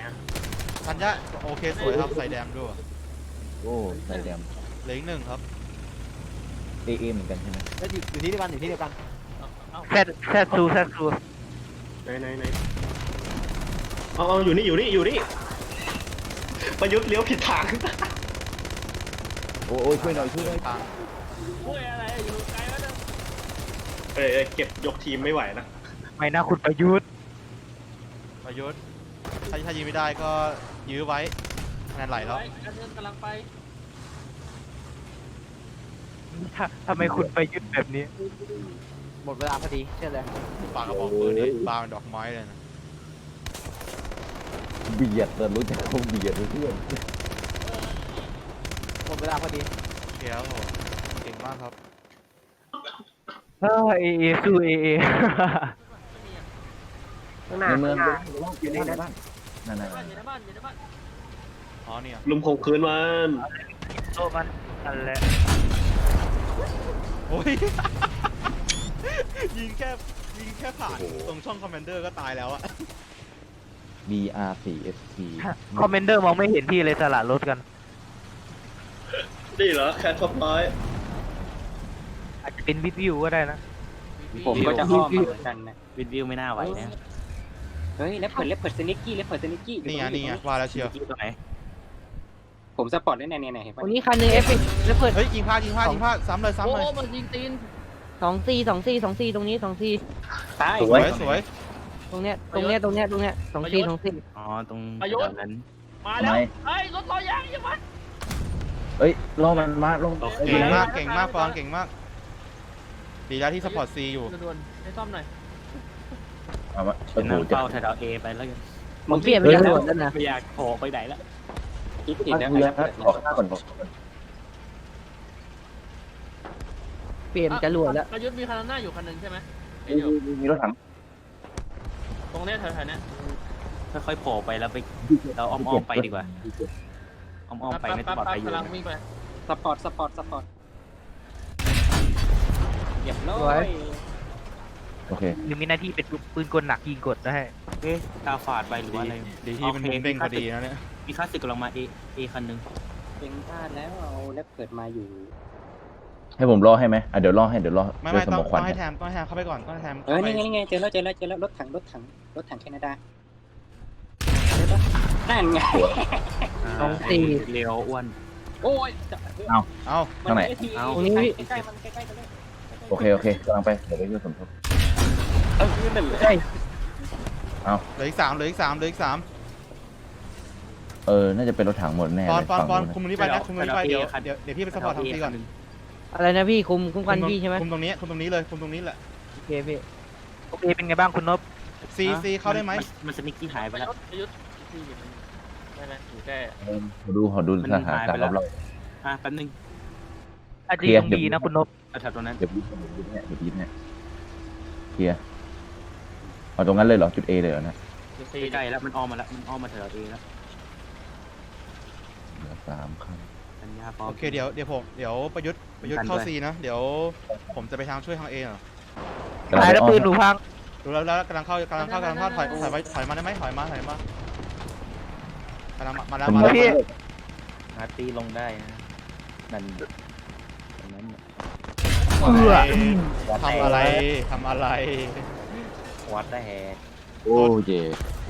อ่ะธัญญาโอเคสวยครับใส่แดมด้วยโอ้ใส่แดมเหลืออีก1ครับเอเหมือนกันใช่ไหมแล้วอยู่ที่เดียวกันอยู่ที่เดียวกันแซดซูไหนเอาอยู่นี่ประยุทธ์เลี้ยวผิดทางโอ้ช่วยหน่อยทางช่วยอะไรอยู่ไกลแล้วนะเก็บยกทีมไม่ไหวนะไม่น่าคุณประยุทธ์ประยุทธ์ถ้ายิงไม่ได้ก็ยื้อไว้คะแนนไหลแล้วการเดินกำลังไปทำไมคุณประยุทธ์แบบนี้หมดเวลาพอดีเชื่อเลยปากกระบอกปืนนี่บาเป็นดอกไม้เลยนะเบียดแต่รู้จักเขาเบียดเพื่อนหมดเวลาพอดีโอเคครับผมเก่งมากครับเอสู้เอข้างหน้าในเมืองข้างหน้าอยู่ในบ้านนั่นอยู่ในบ้านอยู่ในบ้านอ๋อเนี่ยลุมข่มขืนมันโตมันนั่นแหละโอ้ย ยิงแค่ผ่านตรงช่องคอมเมนเดอร์ก็ตายแล้วอะ BR4FC คอมเมนเดอร์มองไม่เห็นพี่เลยสละรถกันนี่เหรอแคทท็อปร้อยอาจจะเป็นวิวก็ได้นะผมก็จะอ้อมมาเหมือนกันนะวิดวิวไม่น่าไหวนะเฮ้ยเลฟเพิร์ดสนิกกี้นี่ไงว่าแล้วเชียวตรงไหนผมสปอร์ตได้เนี่ยเห็นตปะรงนี้คันหนึงเอฟเฟกต์แล้วเปิดเฮ้ยยิงพลาดซ้ำเลยโอ้มันยิงตีน 2 4 ตรงนี้2 4 ตายสวยตรงเนี้ย2 4 อ๋อตรงนั้นมาแล้วเฮ้ยรถลอยยางยังมันเอ้ยล่อมันมาลงเก่งมากฟองเก่งมากดีแล้วที่สปอร์ตซีอยู่ด่วนๆให้ซ่อมหน่อยเอามาเป็นน้ำเป้าไทยดาวเอไปแล้วกันผมเปลี่ยนไปแล้วแล้วนะไม่อยากโผล่ไปไหนละคิดผิดเดี๋แล้ยว วออกหน้าก่อนเปลี่ยนจรวดแล้วประยุทธ์มีคันหน้าอยู่คันหนึ่งใช่ไหมมีรถถังตรงเนี้ยแถวๆเนี้ยค่อยๆโผล่ไปแล้วไปเราอ้อมๆไปดีกว่าอ้อมๆไปไม่ต้องปลอดภัยอยู่กำลังวิ่งไปสปอร์ตเรียบร้อยโอเคหรือมีหน้าที่เป็นปืนกลหนักยิงกดได้เอ๊ะตาฝาดไปหรือว่าอะไรดีที่มันเด้งพอดีนะเนี่ยมีค่าศึกกำลังมาเอคันหนึ่งเป็นพลาดแล้วเอาเลฟเพิร์ดมาอยู่ให้ผมรอให้ไหมเดี๋ยวรอให้ไม่เด้วยสต้มององควันให้แทมเข้าไปก่อนต้องให้แทมนี่ไงเจอแล้วรถถังแคนาดาใช่ปะนั่นไง 2 เลี้ยวอ้วนโอ้ยเอาข้างไหนตรงนี้พี่ใกล้ๆมันใกล้ๆกันเลยโอเคกำลังไปเดี๋ยวไปช่วยสมทบนั่นเลยใช่เหลืออีก3 น่าจะเป็นรถถังหมดแน่ปเลอนยปอนฝั่งปอนนู้นคุมนี้ไปนะคุมนี้ไปเดี๋ยวพี่ไปสปอร์ตทางซีก่อนอะไรนะพี่คุมกันพี่ใช่ไหมคุมตรงนี้เลยคุมตรงนี้แหละโอเคพี่โอเคเป็นไงบ้างคุณนพซีเข้าได้ไหมมันสนิกกี้หายไปแล้วประยุทธ์ที่อยู่ได้ไหมอยู่แค่ขอดูสถานการณ์รอบแป๊บนึงอาจจะยังดีนะคุณนพแถวตรงนั้นๆเดี๋ยวพีทเนี่ยเคลียร์เอาตรงนั้นเลยเหรอจุด A เลยเหรอนะใกล้แล้วมันอ้อมมาแล้วมันอ้อมมาแถวเอแล้วเหลือ3คันสัญญาพร้อมโอเคเดี๋ยวประยุทธ์เข้าซีนะเดี๋ยวผมจะไปทางช่วยทางเอเหรอตายแล้วปืนหนูพังดูแล้วกำลังเข้าถอยมาได้ไหมถอยมากำลังมาแล้วพี่อาร์ตีลงได้นะนั่นตรงนั้นทำอะไรวัดได้แฮโอ้เจ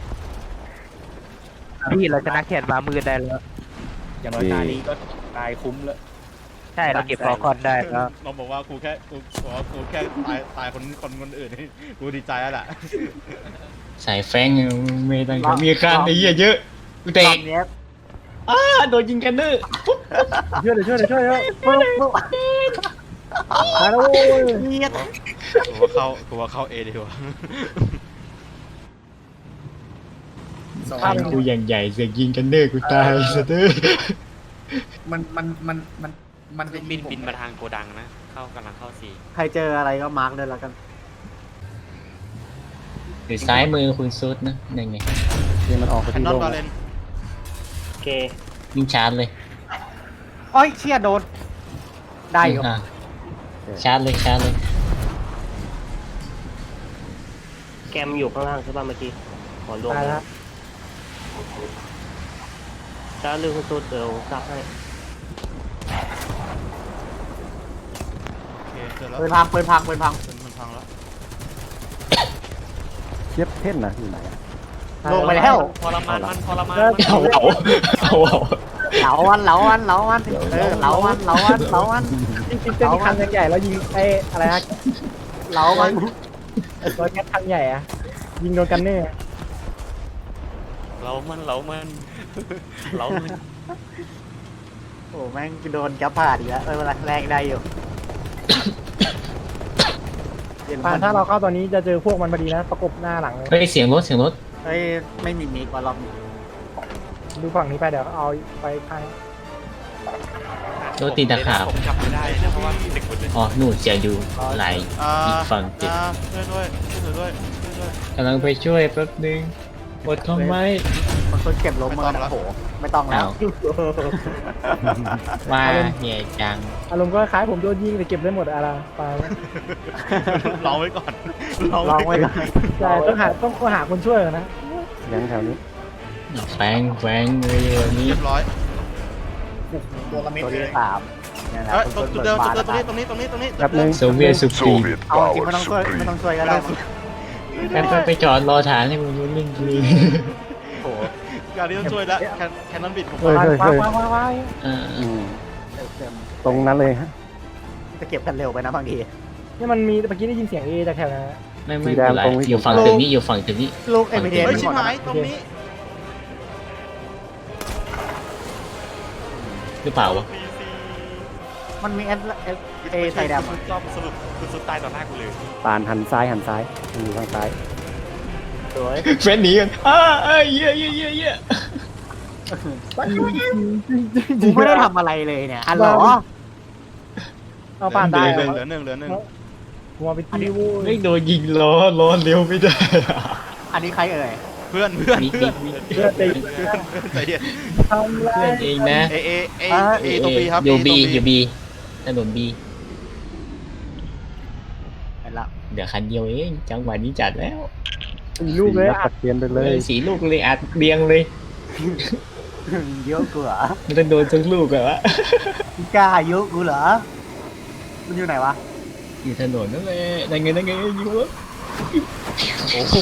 พี่เราชนะแขนมามือได้แล้วอย่างน้อยตานี้ก็ตายคุ้มแล้วใช่เราเก็บฟอร์คอนได้แล้วเราบอกว่ากูแค่ตายคนอื่นกูดีใจแล้วแหละสายแฟงไม่ต้องมีการไอ้เหี้ยเยอะกูเตะตอนนี้โดนยิงกันเนอร์ช่วยมาแล้วกูว่าเข้าเอดีกว่าแฟงกูอย่างใหญ่เสียยิงกันเนอร์กูตายสะเด้อมันเป็นบินมาทางโกดังนะกำลังเข้าซีใครเจออะไรก็มาร์กเลยแล้วกันอยู่ซ้ายมือคุณซุดนะนั่นไงมันออกไปแคนที่นอนโลกบาเลนโอเคยิงชาร์จเลยโอ้ยเชี่ยโดนได้อยู่อ่ะชาร์จเลยแกมอยู่ข้างล่างใช่ป่ะเมื่อกี้ขอรวมตายแล้วจ้าลืมตัวเดี๋ยวซักให้โอเคเจอแล้วปืนพังปืนพังปืนพังมันพังแล้วเทียบเท่นนะอยู่ไหนอะลงไปแล้วทรมานมันทรมานเอาเอาเอาเหลาวันเหลาวันเหลาวันเหลาวันเหลาวันเหลาวันจริงๆเป็นคันใหญ่ๆแล้วยิงไอ้อะไรนะเหลาวันตัวแก๊สคันใหญ่อะยิงโดนกันเน่เรามัน เรามันโอ้แม่งโดนแก๊ปผ่าดอีกแล้วเวลาแรงได้อยู่ถ้าเราเข้าตอนนี้จะเจอพวกมันพอดีนะประกบหน้าหลังเลยเฮ้ยเสียงรถเสียงรถเฮ้ยไม่มีมิกว่ารอบนี้ดูฝั่งนี้ไปเดี๋ยวเอาไปข้างรถตีตะขาบผมจับไม่ได้นะเพราะว่าเด็กคนนึงอ๋อนู่นเสียงอยู่ไหลอ่าอีกฝั่งติดช่วยด้วยช่วยด้วยช่วยด้วยกำลังไปช่วยแป๊บนึงอดทนไว้มันคนเก็บลงมือนะโอ้โหไม่ต้องแล้วว่าเหี้ยจังอารมณ์ก็คล้ายผมโดนยิงแต่เก็บได้หมดอะไรไปลองไว้ก่อนลองไว้ก่อนใช่ต้องหาคนช่วยก่อนนะยังแถวนี้แฝงเลยวันนี้เรียบร้อยตัวที่สามเนี่ยแหละเอ้ยคนจุดเปิดเดิมบาจุดร์เดิมตรงนี้ตรงนี้ตรงนี้ตรงนี้แป๊บนึงโซเวียตสุพรีมเอาจริงไม่ต้องช่วยไม่ต้องช่วยก็ได้มั้งไปจอดรอฐานให้มึงรู้เรื่องกูเลยโอ้โหการนี้ต้องช่วยแล้วแคนนอนบิดผมเฮ้ยเฮ้ยเฮ้ยว้ายอ่าอืมเต็มตรงนั้นเลยฮะจะเก็บกันเร็วไปนะบางทีนี่มันมีเมื่อกี้ได้ยินเสียงเอจากแถวนั้นไม่เป็นไรอยู่ฝั่งถึงนี้อยู่ฝั่งถึงนี้ลูกเอ็มเดนเฮ้ยชิหบมดหายตรงนี้หรือเปล่าวะมันมีเอไทยดำสรุปคุณสุดตายต่อหน้ากูเลยปานหันซ้ายมันอยู่ทางซ้ายสวยเฟนหนีกันเยี่ยกูไม่ได้ทำอะไรเลยเนี่ยอันหรอเอาป่านได้เหลือหนึ่งหัวไปตีวูไม่โดนยิงล้อเลี้ยวไม่ได้อันนี้ใครเอ่ยเพื่อนมีเลือดตีใจเย็นทำไรเพื่อนเองนะเอตัวบีครับอยู่บี A ตัวอยู่บีถนนบีเห็นละเดี๋ยวคันเดียวเองจังหวะนี้จัดแล้วตีลูกเลยตัดเทียนไปเลยสีลูกเลยอัดเรียงเลยเยอะกูเหรอมันต้องโดนทั้งลูกอะวะกล้าเยอะกูเหรอมันอยู่ไหนวะอยู่ถนนนั่นแหละนั่นไงอยู่วะโอ้โห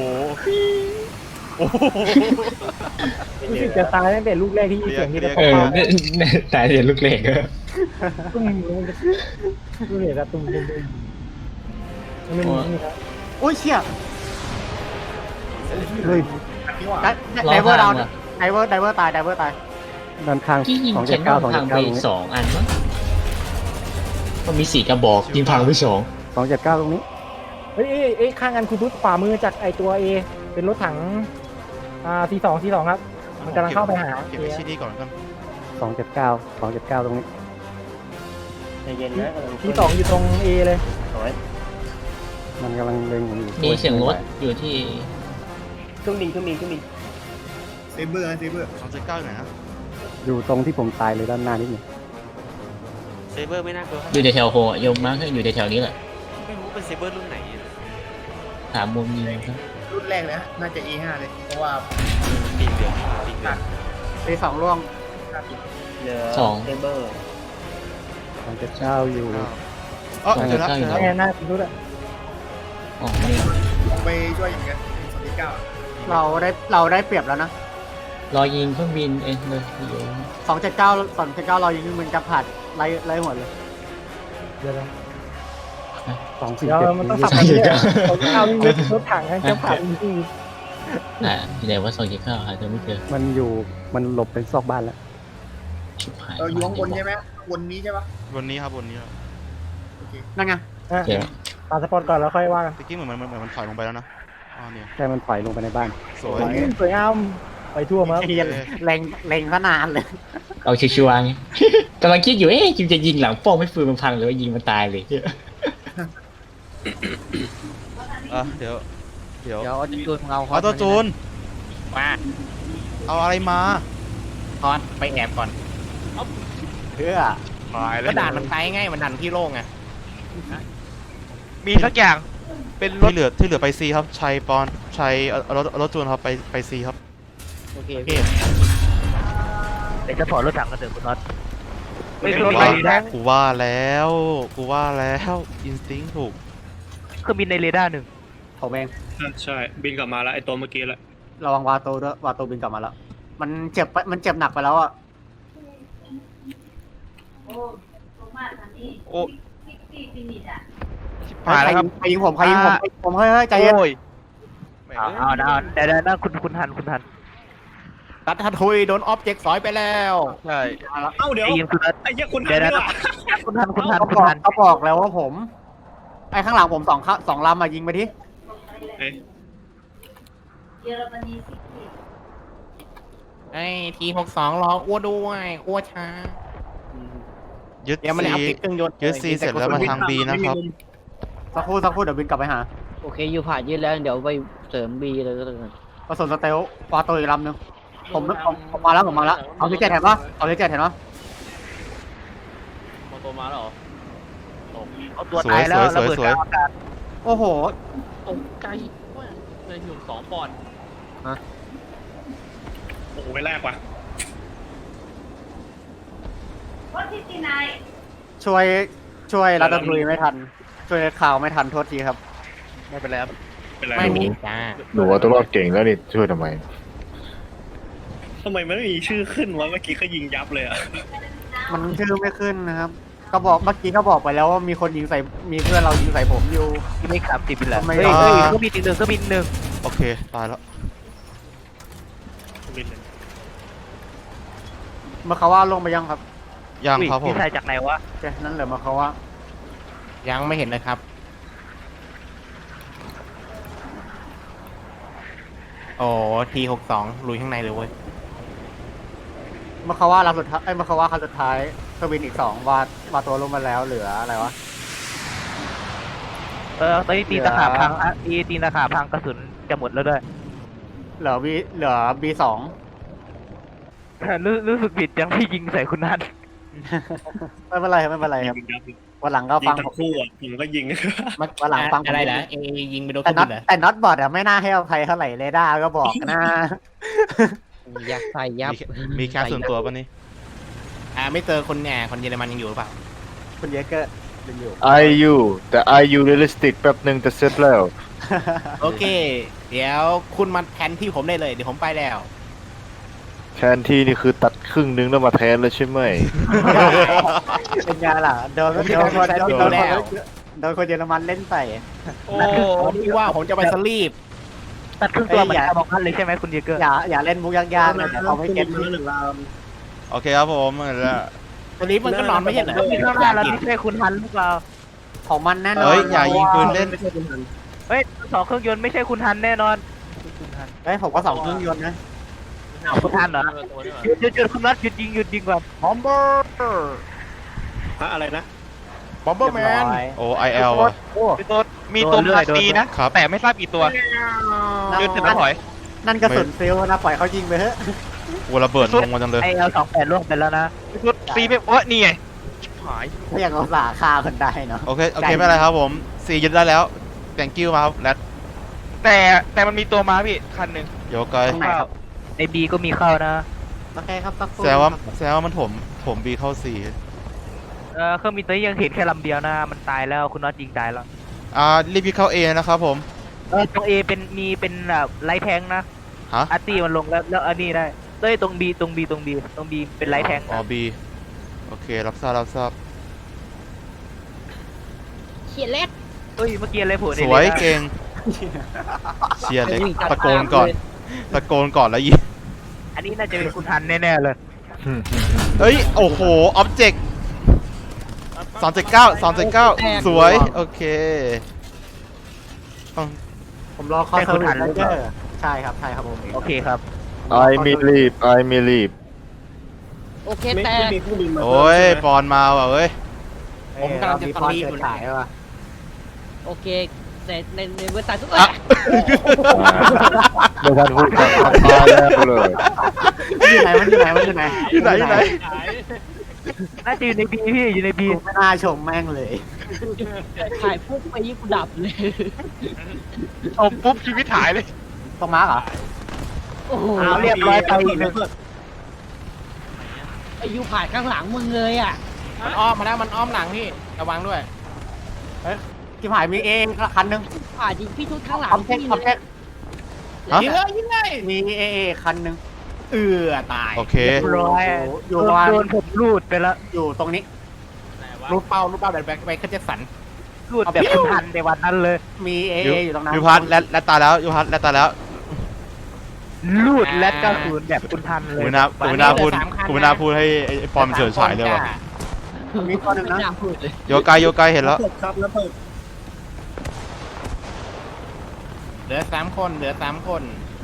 รู้สึกจะตายตั้งแต่ลูกแรกที่ยินเสียงที่กระเอป๋อองตายเดี๋ยวลูกเล็กอะตุ้มลูกเหลือกระตุ้มมันนี่ครับโอ้ยเชี่ยเฮ้ยไดเวอร์ดาวไดเวอร์ตายด้านข้างที่ยิง 279 แคนนอนพังไป 279ตรงนี้ 2 อันมั้งก็มี4 กระบอกยิงพังไป 279ตรงนี้เฮ้ยข้างกันคุณปุ๊บขวามือจากไอตัวเอเป็นรถถังC2 ครับมันกำลังเข้าไปหาเก็บไว้ที่นี่ก่อนกัน 279ตรงนี้ใจเย็นนะ C2อยู่ตรงเอเลยมันกำลังเล็งผมอยู่ 2มีเสียงรถอยู่ที่เครื่องบิน 279อยู่ไหนนะอยู่ตรงที่ผมตายเลยด้านหน้านิดหนึงเซเบอร์ไม่น่ากลัวอยู่ในแถวโฮโยมมาร์คอยู่ในแถวนี้แหละไม่รู้เป็นเซเบอร์รุ่นไหนถามมุมยิงครับรุ่นแรกเลยฮะน่าจะ E5 เลย เพราะว่าปีเหลืองปีเหลืองตีสองร่วงเหลือสองเซเบอร์ 279อยู่อ๋อเจอแล้วแง่หน้าคุณปุ๊บอะอ๋อนี่ลงไปช่วยอย่างเงี้ย29 เราได้เปรียบแล้วนะรอยิงเครื่องบินเองเลยอยู่ 279เรายิงมันจะผัดไล่หัวเลยเดี๋ยว 247 เดี๋ยวมันต้องสับกันเนี่ยเอารถถังกันจะผ่านจริงอยู่ไหนว่า279หาจะไม่เจอมันหลบเป็นซอกบ้านแล้วชิบหายอยู่ข้างบนใช่ไหมบนนี้ใช่ปะบนนี้ครับบนนี้นั่นไงเดี๋ยวปาสปอร์ตก่อนแล้วค่อยว่ากันตะกี้เหมือนมันถอยลงไปแล้วนะอ๋อเนี่ยแค่มันปล่อยลงไปในบ้านสวยสวยงามไปทั่วมาเฮียเล็งซะนานเลยเอาชัวร์ๆไง กำลังคิดอยู่จิมจะยิงหลังป้องไม่ฟืนมันพังหรือว่ายิงมันตายเลยเดี๋ยวเดี๋ยวเอาจูนของเราเอาตัวจูนมาเอาอะไรมาทอนไปแอบก่อนเพื่อก็ด่านมันไกลไงมันดันที่โล่งไงมีสักอย่างเป็นรถที่เหลือไปซีครับชัยปอนชัยเอารถจูนครับไปซีครับโอเคเดี๋ยวจะถอดรถถังกันเถอะคุณน็อตไม่คือกูรถไฟว่าแท้งกูว่าแล้วอินสติ้งถูกเครื่องบินในเรดาร์หนึ่งผมเองใช่บินกลับมาแล้วไอตัวเมื่อกี้แหละระวังวาโตด้วยวาโตบินกลับมาแล้ว มันเจ็บหนักไปแล้วอ่ะโอ้ผ่านแล้วครับใครยิงผมเฮ้ยใจเย็นโอ้ยเอาเดี๋ยวคุณทันรัฐทุยโดนออบเจกต์สอยไปแล้วใช่เอ้าเดี๋ยวไอ้ยิงคุณนัทไอ้เหี้ยคุณเดี๋ยวนี่หว่าคุณทันเขาบอกแล้วว่าผม ไอ้ข้างหลังผมสองลำมายิงไปที่เอ้ยไอ้T62รออ้วด้วยอ้วช้ายึดยังไม่ได้ซีอัพติดเครื่องยนต์ยึดซีเสร็จแล้วมาทางบีนะครับสักครู่เดี๋ยวบินกลับไปหาโอเคอยู่ผ่านยืดแล้วเดี๋ยวไปเสริมบีเลยก็เลยกระสุนสเตลวาโตอีกลำหนึงผมมาแล้วเอาที่เจ็ดเห็นปะเอาที่เจ็ดเห็นปะมาตัวมาแล้วเหรอเอาตัวตายแล้วระเบิดกลางอากาศโอ้โหตกใจว่าในถึง2 ปอนด์โอ้โหไปแรกว่ะช่วยรัตทุยไม่ทัน ช่วยข่าวไม่ทันโทษทีครับไม่เป็นไรครับเป็นไรไม่มีจ้าหนูว่าตัวรอดเก่งแล้วนี่ช่วยทำไมทำไมมันไม่มีชื่อขึ้นวะเมื่อกี้เขายิงยับเลยอ่ะมันชื่อไม่ขึ้นนะครับ เมื่อกี้ก็บอกไปแล้วว่ามีคนยิงใส่ มีเพื่อนเรายิงใส่ผมอยู่ไม่ขับติดไปแล้วทำไมเฮ้ยเครื่องบินอีกหนึ่งเครื่องบินหนึ่งโอเคตายแล้วบินเลยมาเขาว่าลงไปยังครับยังครับผมพี่ชายจากไหนวะโอเคนั่นเหลือมาเขาว่ายังไม่เห็นเลยครับโอ้T62ลุยข้างในเลยเว้ยมาเขาว่าลำสุดท้ายมาเขาว่าคันสุดท้ายเครื่องบินอีก2วาตัวลงมาแล้วเหลืออะไรวะตอนนี้ตีนตะขาบพังตีนตะขาบพังกระสุนจะหมดแล้วด้วยเหลือ B2 รู้สึกผิดยังพี่ยิงใส่คุณนัทไม่เป็นไรครับยิงยับเลยวันหลังก็ยิฟังงทั้งคู่อ่ะผมก็ยิงวันหลังฟังผมอะไรนะยิงไปโดนแต่คนน็ออื่ตนเหรอแต่น็อตบอดอะไม่น่าให้อภัยเท่าไหร่เรดาร์ก็บอกนะอยากใส่ยับมีแคสส่วนตัวป่ะนี่ไม่เจอคนคนเยอรมันยังอยู่หรือเปล่าคุณเยเกอร์ยังอยู่ IU แต่ IU realistic แป๊บหนึ่งจะเสร็จแล้วโอเค เดี๋ยวคุณมาแทนที่ผมได้เลยเดี๋ยวผมไปแล้วแทนที่นี่คือตัดครึ่งนึงแล้วมาแทนแล้วใช่ไหมเป็นไงล่ะโดนคนเยอรมันเล่นใส่โอ้ที่ว่าผมจะไปสลีปตัดครึ่งตัวเหมือนการบอกนั่นเลยใช่ไหมคุณเยเกอร์อย่าเล่นมุกยากๆนะเขาไม่เก็ตที่โอเคครับผมแล้วสลีปมันก็นอนไม่ใช่เหรอมีข้างหน้าเราไม่ใช่คุณทันหรือเปล่าของมันแน่นอนเฮ้ยอย่ายิงปืนเล่นเฮ้ยสองเครื่องยนต์ไม่ใช่คุณทันแน่นอนเฮ้ยผมก็2เครื่องยนต์นะคุณทันเหรอหยุดคุณนัทหยุดยิงก่อนบอมเบอร์อะไรนะบอมเบอร์แมนโอ้ IL อ่ะมีตัวพาตีนะครับแต่ไม่ทราบกี่ตัวยืดถึงถอยนั่นกระสุนฟิลนะปล่อยเขายิงไปเถอะกูระเบิดลงมาจังเลยไอเอล28ล่วงไปแล้วนะตีไปว่านี่ไงถ้าอย่างเราสาฆ่าคนได้เนาะโอเคไม่เป็นไรครับผมซียึดได้แล้ว thank you มาครับแรดแต่มันมีตัวมาพี่คันหนึ่งโยกไกลในบีก็มีเข้านะโอเคครับสักครู่แสดงว่ามันถมบีเข้าซีเครื่องบินตัวนี้ยังเห็นแค่ลำเดียวนะมันตายแล้วคุณน็อตยิงตายแล้วรีบเข้า A นะครับผมตรง A เป็นไลท์แทงนะฮะอาร์ตี้มันลงแล้วอันนี้ได้ตรง B เป็นไลท์แทงอ๋อ B โอเครับทราบเขียนเล็ดเฮ้ยเมื่อกี้อะไรโผล่สวยเก่งเชียร์เล็กตะโกนก่อนแล้วยิงอันนี้น่าจะเป็นคุณทันแน่ๆเลยเฮ้ยโอ้โหออบเจกต์279สวยโอเคผมรอคอสเซอร์วิสเจอร์ใช่ครับผมโอเคครับ I me leave โอเคไม่แต่มีเครื่องบินมาโอ้ยปอนมาว่ะเว้ยผมกำลังจะสลีปเกิดขายว่ะโอเคในเว็บไซต์ทุกอ่ะไม่ทันพูดกันตายแล้วเลยมันอยู่ไหนอยู่ไหนน่าจะอยู่ใน B พี่อยู่ใน B ไม่น่าชมแม่งเลยขายปุ๊บไปยิ่งดับเลยเอาปุ๊บชีวิตหายเลยต้องมาร์กเหรอโอ้โหเอาเรียบร้อยไปอีกหนึ่งไอ้ยูผ่านข้างหลังมึงเลยอ่ะมันอ้อมมาแล้วมันอ้อมหลังพี่ระวังด้วยที่ผ่านมีเองคันหนึงผ่านจริงพี่ทุกข้างหลังคอมเทคพี่คอมเลเทยคยิงเลยยิงเลยมีเอคันหนึงตายโอเคร้อยอยู่ประมาณโดนผมรูดไปแล้วอยู่ตรงนี้รูปเป้าแบบแบ็คเขาจะสั่นรูดแบบคุณทันในวันนั้นเลยมีเออยู่ตรงนั้นยูพัทและตายแล้วยูพัทและตายแล้วรูดและก็คืนแบบคุณทันเลยกูไม่น่าพูดให้ไอ้ปอมเฉิดฉายเลยว่ะมีตัวหนึงนะไม่น่าพูดเลยโยไกเห็นแล้วเหลือ3 คนเหลือ3 คน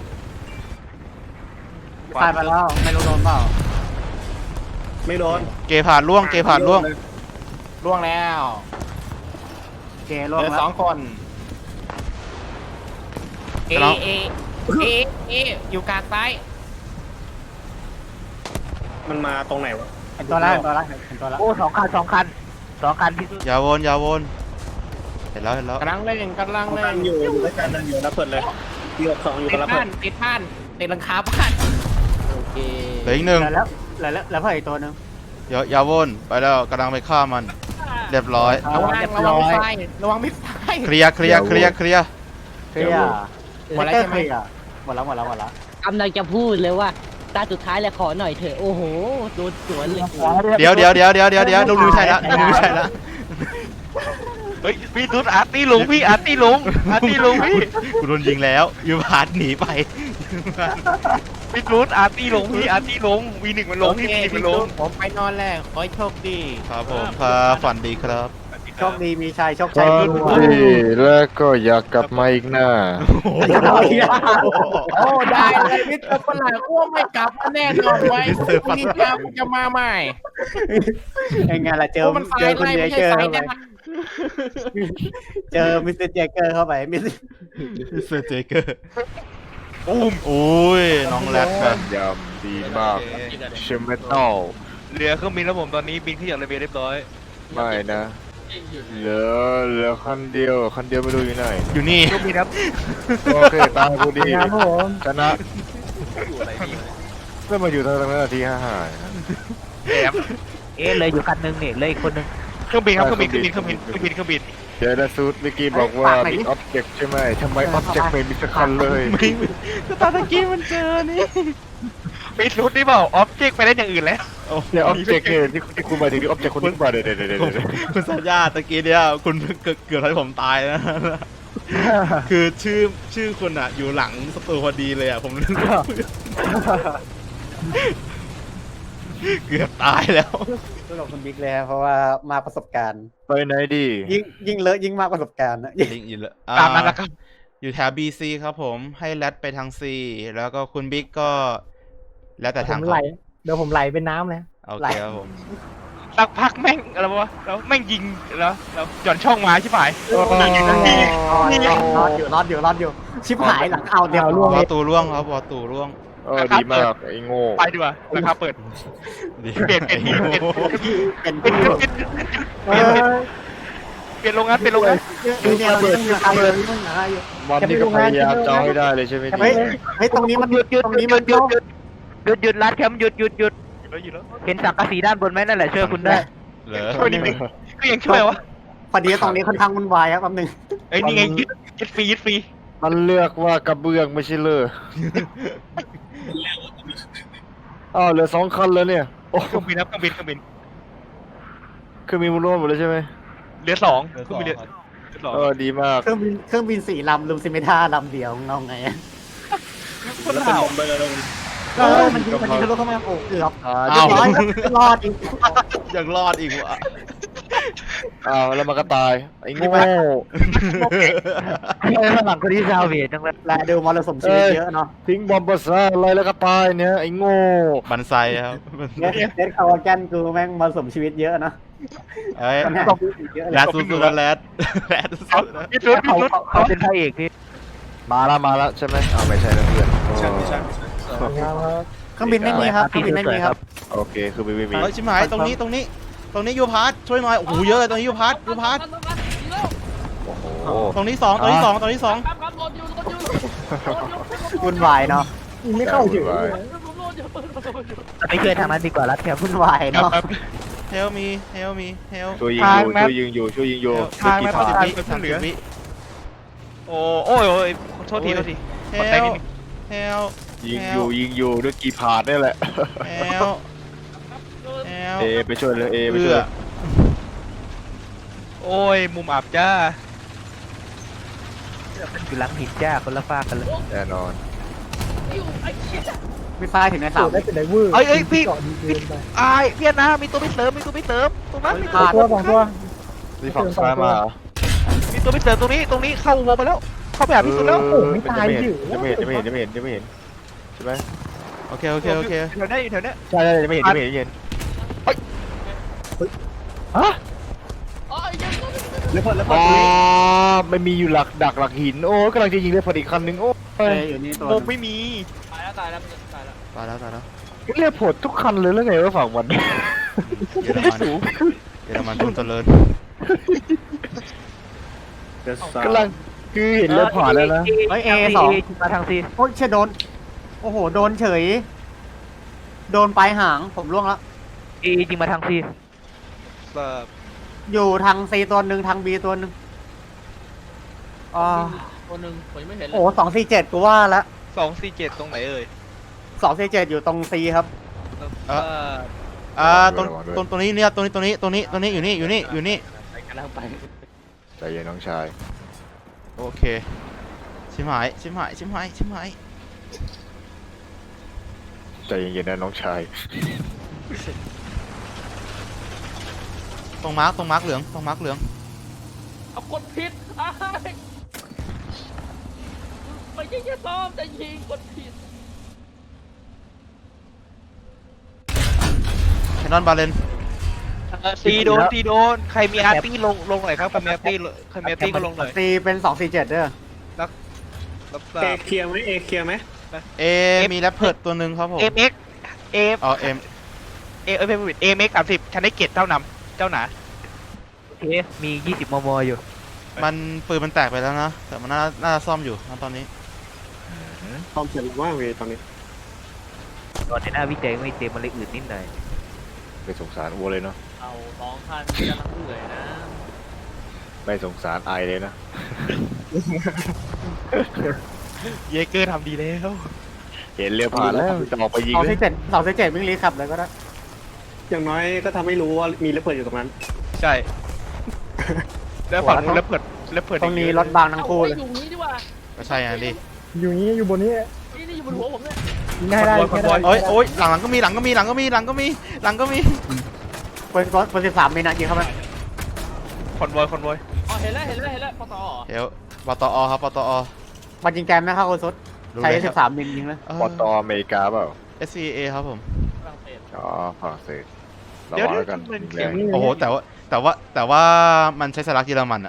ตายไปแล้วไม่รู้โดนเปล่าไม่โดนเกผ่านล่วงล่วงแล้วเจเหล่วงลือแล้ว 2 คนเออยู่กลางซ้ายมันมาตรงไหนวะเห็นตัวแล้วเห็นตัวแล้วเห็นตัวแล้วโอ้2 คันที่สุดอย่าวนเห็นแล้วกำลังเล่นอยู่ด้วยกันอยู่แล้วเปิดเลยที่2อยู่ติกัดนแล้วบ้าเปินดติดบ้านติดหลังคาบ้านโอเคเหลืออีกหนึ่งแล้วเพิ่มอีกตัวหนึงอย่าวนไปแล้วกำลังไปฆ่ามันเรียบร้อยระวังไม่ไฟระวังไม่ไฟเคลียร์เคลียร์หมดแล้วใช่ไหมเคลียร์หมดแล้วกำลังจะพูดเลยว่าตาสุดท้ายแล้วขอหน่อยเถอะโอ้โหโดนสวนเลยเดี๋ยวลุงใช่แล้วเฮ้ยพี่ตุ๊ดอาร์ตี้ลุงพี่กูโดนยิงแล้วยูพาร์ทหนีไปพี่ตุ๊ดอาร์ตี้ลุงV1มันลงพี่ V1 มันลงผมไปนอนแล้วขอให้โชคดีครับผมครับฝันดีครับโชคดีมีชัยโชคชัยขึ้นหัวแล้วก็อยากกลับมาอีกหน้าโอ้ได้เลยมิสเตอร์ฝรั่งอ้วไม่กลับมาแน่นอนไว้นี่เจ้าจะมาใหม่ยังไงล่ะเจอมันเจอคุณเจเกอร์ไฟเข้าไปแน่เจอมิสเตอร์เจเกอร์เข้าไปมิสเซอร์เจเกอร์โอ้ยน้องแรดกันยำดีมากเชมเมทัลเรือเครื่องบินแล้วผมตอนนี้บินขึ้นจากระเบียงเรียบร้อยไม่นะเหลือคันเดียวไม่รู้อยู่ไหนอยู่นี่โอเคตามกูดีครับผมชนะก็มาอยู่ทางนั้นนาที55 เลยอยู่คันนึงเนี่ยเลยอีกคนนึงเครื่องบินครับเครื่องบินเดี๋ยวนะซูดเมื่อกี้บอกว่ามีอ็อบเจกต์ใช่ไหมทำไมอ็อบเจกต์ไม่มีสักคันเลยตอนตะกี้มันเจอนี่ปิดรุดนี่เปล่าออบเจกต์ไปได้อย่างอื่นแล้วเนี่ยอ็อบเจกต์เนี่ยที่คุณมาถึงที่อ็อบเจกต์คนนี้มาเดี๋ยวคุณสัญญาตะกี้เนี่ยคุณเกือบทำให้ผมตายนะคือชื่อคุณอ่ะอยู่หลังสตูพอดีเลยอ่ะผมเกือบตายแล้วสำหรับคุณบิ๊กเลยเพราะว่ามาประสบการณ์ไปไหนดียิ่งเลอะยิ่งมากประสบการณ์นะลิงอินเลยตามนั้นนะครับอยู่แถว BC ครับผมให้แรดไปทาง C แล้วก็คุณบิ๊กก็ แล้วแต่ผทางมเขาไหลเดี๋ยวผมไหลเป็นน้ำเลยโอเคครับผมสักพักแม่งอะไรวะแล้วแม่งยิงแล้วหย่อนช่องมาใช่ไหมรอดอยู่ชิบหายหลังเอาเดียวล่วงวอตูร่วงครับวอตูร่วงดีมากไอ้โง่ไปดีกว่าราคาเปิดดีเปลี่ยนที่เปลี่ยนเป็นเปลี่ยนผู้เปลี่ยนโรงงานเนี่ยมันมีใครเลยมันหาอยู่มันนี่ก็พยายามจะเอาให้ได้เลยใช่ไหมเฮ้ยตรงนี้มันหยุดตรงนี้มันหยุดรัดแคมหยุดเห็นสังกะสีด้านบนไหมนั่นแหละช่วยคุณได้เหรอช่วยนิดนึงก็ยังช่วยวะพอดีตรงนี้ค่อนข้างวุ่นวายครับแป๊บนึงไอ้นี่ไงยึดฟรีมันเลือกว่ากระเบื้องไม่ใช่เลยอ้าวเหลือ2 คันแล้วเนี่ยโอ้เครื่องบินครับเครื่องบินคือมีมูลรวมหมดเลยใช่ไหมเรือ2เครื่องบินเรือ2 ดีมากเครื่องบิน4 ลำลืมซิเมท่าลำเดียวเงาไงคนแล้วเป็นข่าวบอมเบอร์ลงมันยิงทะลุเข้ามาโอ้เกือบอ้าวรอดอีกยังรอดอีกวะอ้าวแล้วมันก็ตายไอ้โง่ข้างหลังคนที่ซาวเวียจังเลยและดูมรสุมชีวิตเยอะเนาะทิ้งบอมบ์ซ่าอะไรแล้วก็ตายเนี่ยไอ้โง่บันไซครับเดดคาวาแกนกูแม่งมรสุมชีวิตเยอะเนาะเอ้ยเยอะแรดสุดๆแล้วแรดสุดๆนะยึดรุดเขาเป็นพระเอกพี่มาละใช่ไหมอ้าวไม่ใช่นะเพื่อนใช่เครื่องบินไม่มีครับเครื่องบินไม่มีครับโอเคคือไม่มีเฮ้ยชิมหายตรงนี้ยูพาร์ทช่วยหน่อยโอ้โหเยอะเลยตรงนี้ยูพาร์ทโอ้โหตรงนี้2 วุ่นวายเนาะยิงไม่เข้าเฉยไปช่วยทางนั้นดีกว่ารัดแคมวุ่นวายเนาะเฮลมีเฮลมีเฮลช่วยยิงอยู่ช่วยยิงอยู่ทางกี่แม่ผ่านไปเพิ่งเหลือโอ้โอ้ยโทษทีเฮกดแต่ลนิดนึงเฮลยิงอยู่ด้วยกี่ผ่านนี่แหละเฮลเฮลเอไปช่วยเลยเอไปช่วยโอ้ยมุมอับจ้ามันอยู่หลังหินจ้าคนละฟากกันเลยแน่นอนมีป้ายถึงในเสาได้เป็นไดเวอร์เอ้ยพี่เจาะดีเกินไปไอ้เวียดนามมีตัวไม่เสริมตรงนั้นมีสองตัวสองตัวนี่ฝั่งซ้ายมาเหรอตัวไม่เสริมตรงนี้เข้าวงไปแล้วเข้าไปหาพี่สุดแล้วไม่ตายดิจะไม่เห็นใช่ไหมโอเคโอเคโอเคอยู่แถวนี้อยู่แถวนี้ใช่จะไม่เห็นอ๋อไม่มีอยู่ดักหลักหินโอ้กำลังจะยิงเลยพอดีคันนึงโอ้อยู่นี่ตัวมุมไม่มีตายแล้วตายแล้วเรียกผลทุกคันเลยแล้วไงว่าฝั่งมันเยอรมันเยอรมันจงเจริญกำลังคือเห็นเรือผ่านแล้วนะเฮ้ย A2 มาทางซีโอ้ยเชยโดนโอ้โหโดนเฉย โดนปลายหางผมล่วงแล้วเอจริงมาทางซีอยู่ทาง C ตัวหนึ่งทาง B ตัวหนึ่งอ๋อตัวหนึ่งผมยังไม่เห็นเลยโอ้247กูว่าละ 247ตรงไหนเอ่ย 247อยู่ตรง C ครับตรงนี้เนี่ยตรงนี้อยู่นี่กำลังไปใจเย็นน้องชายโอเคชิมหายใจเย็นๆนะน้องชายตรงมาร์กเหลืองเอากดผิดไม่ใช่แค่ซ้อมแต่ยิงกดผิดแคนนอนบาเลนตีโดนใครมีอาร์ตี้ลงหน่อยครับใครมีอาร์ตี้ก็ลงหน่อย C เป็น247เด้อรับทราเอบ เคลียร์ไหมเอเคลียร์ไหมเอมีแรปเพิร์ดตัวหนึ่งครับผม MX อ๋อเอ็ม MX 30ฉันได้เกียรติเจ้านำเจ้าหนาโอเคมี20 มมอยู่มันปืนมันแตกไปแล้วนะแต่มันน่าจะซ่อมอยู่นะตอนนี้พร้อมเสร็จแล้วว่าเวตอนนี้ตอนในหน้าวิจัยไม่เต็มมันเลยอืดนิดหน่อยไม่สงสารวัวเลยเนาะเอา2 คันกำลังเหนื่อยนะไม่สงสารไอเลยนะเยเกอร์ทำดีแล้วเห็นเรือผ่านแล้วจะออกไปยิงเลย 247วิ่งรีขับเลยก็ได้อย่างน้อยก็ทำให้รู้ว่ามีระเบิดอยู่ตรงนั้นใช่แล้วฝั่งนู้นแล้วเปิดตรงนี้รถบางทั้งคู่เลยอยู่นี้ดีกว่าก็ใช่ไงดิอยู่บนนี้นี่อยู่บนหัวผมเนี่ยยิงได้ยิงได้โอ้ยหลังก็มีเปิด13มีนะยิงเข้าไปคอนวอยอ๋อเห็นแล้วพอต่อเดี๋ยวปตอครับปตอมันยิงแกมไม่เข้าคนสุดใช้13มิลยิงเลยปอตออเมริกาเปล่า SCA ครับผมฝรั่งเศสอ๋อฝรั่งเศสระเดี๋ยววังแล้วกันมันแรเสียงงโอ้โหแต่ว่ามันใช้สลักเยอรมันอะ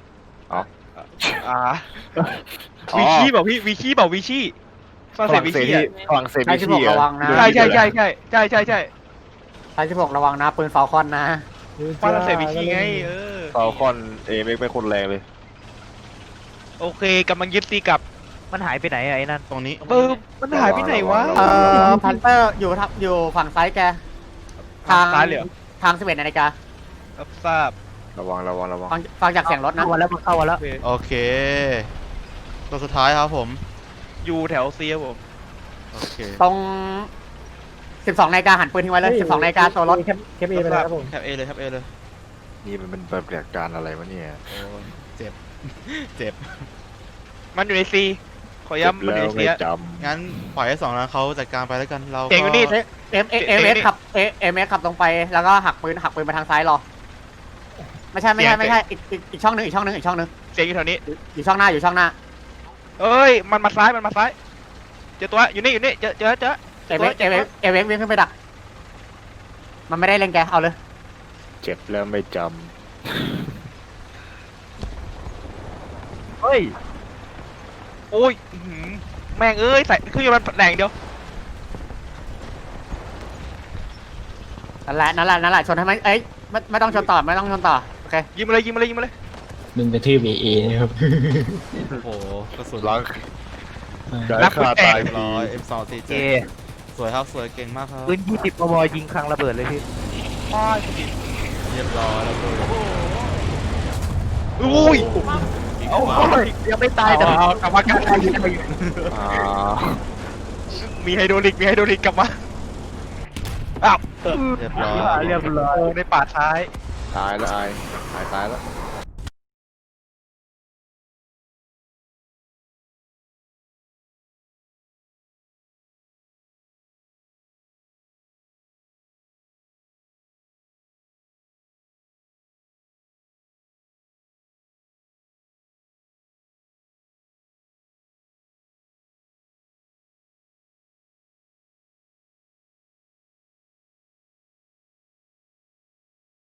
วีชี่บอกพี่วีชี่ฝรั่งเศสวีชี่ฝรั่งเศสใช้วิชี่ 16ระวังนะใช่ใช้16ระวังนะปืนฟาลคอนนะฝรั่งเศสวีชี่ไงฟาลคอนเอเมกเป็นคนแรงเลยโอเคกำลังยึดตีกลับมันหายไปไหนไอ้นั่นตรงนี้มันหายไปไหนวะพันเตอร์อยู่ฝั่งซ้ายแกทางซ้ายเลยเหรอทาง11 นาฬิการับทราบระวังฟังจากเสียงรถนะเข้ามาแล้วมันเข้ามาแล้วโอเคตัวสุดท้ายครับผมอยู่แถวเซียผมโอเคตรง12 นาฬิกาหันปืนทิ้งไว้เลย12 นาฬิกาตัวรถแคปเอไปแล้วครับผมแคปเอเลยนี่มันเป็นปฏิบัติการอะไรวะเนี่ยโอ้เจ็บมันอยู่ในซีขอย้ำมันอยู่ในเซียจงั้นปล่อยให้2นั้นเขาจัดการไปแล้วกันเราเก่งอยู่นี่เอ็มเอสขับตรงไปแล้วก็หักปืนมาทางซ้ายรอไม่ใช่อีกช่องหนึ่งเสียงอยู่แถวนี้อยู่ช่องหน้าเอ้ยมันมาซ้ายเจอตัวอยู่นี่เจอเอเววิ่งขึ้นไปดักมันไม่ได้เล็งแกเอาเลยเจ็บแล้วไม่จเฮ้ยโอ้ยแม่งเอ้ยใส่เครื่องยนต์มันแรงเดียวนั่นแหละชนให้มันไม่ต้องชนต่อโอเคยิงมาเลยมึงกระทืบเอนะครับโอ้โหกระสุนำล้างได้ฆ่าตายเรียบฟรีร้อย M247 เอสวยครับสวยเก่งมากครับปืน20 มมยิงคลังระเบิดเลยพี่เรียบร้อยแล้วก็อุ้ยโอ้ยยังไม่ตายแต่เอากลับมากลับมาอ่ามีไฮโดรลิกกลับมาอ้าวเรียบร้อยเรียบร้อยโอ้ในป่าท้ายตายแล้วตายแล้ว